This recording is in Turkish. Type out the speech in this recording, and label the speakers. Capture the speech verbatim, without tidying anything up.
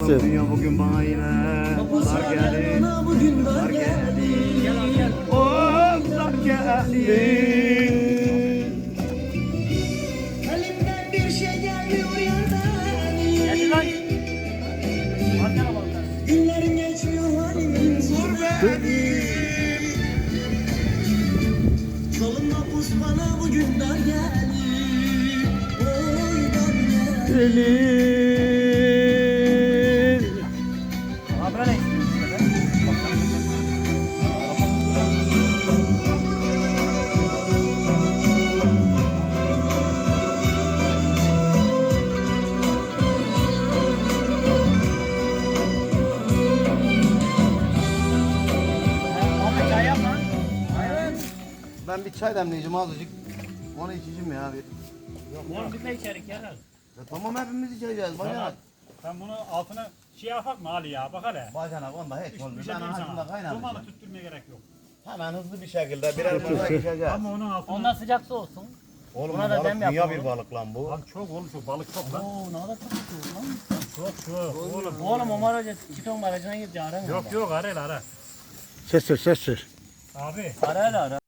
Speaker 1: sestir.
Speaker 2: Dünya bugün bana yine dar geldi. Dar geldi. Oh dar geldi.
Speaker 3: Elimden bir şey gelmiyor yerden. Günlerim geçmiyor halimin zor beni. Yolumda pus bana bugün dar geldi. Oy dar geldi.
Speaker 1: Gelir.
Speaker 2: Ben bir çay demleyeceğim azıcık. Onu içeceğim ya bir.
Speaker 4: Oğlum bir de içerik yarar.
Speaker 2: Ya tamam hepimiz içeceğiz bacanak.
Speaker 4: Sen bunu altına şey yapak mı Ali ya? Bak hele.
Speaker 2: Bacanak onda hiç
Speaker 4: Hiçbir
Speaker 2: olmuyor.
Speaker 4: şey
Speaker 2: Ben
Speaker 4: diyeyim
Speaker 2: ağzımda
Speaker 4: sana. Dumanı
Speaker 2: kaynamayacağım.
Speaker 4: tüttürmeye gerek yok.
Speaker 2: Hemen hızlı bir şekilde birer bardak içeceğiz.
Speaker 4: Ama onun altına...
Speaker 5: Ondan sıcak su olsun.
Speaker 2: Oğlum
Speaker 5: Buna
Speaker 2: bu
Speaker 5: da
Speaker 2: balık
Speaker 5: dem
Speaker 2: dünya
Speaker 5: yapalım.
Speaker 2: bir balık lan bu.
Speaker 4: Lan çok oğlum çok balık çok lan.
Speaker 5: Oo ne kadar çok tutuyor lan.
Speaker 4: Çok çok. Oğlum.
Speaker 5: Oğlum Omar Hoca çiton barajına gitti ara mı?
Speaker 4: Yok yok ara ara.
Speaker 1: Ses ver ses ver.
Speaker 4: Abi.
Speaker 5: Ara ara ara.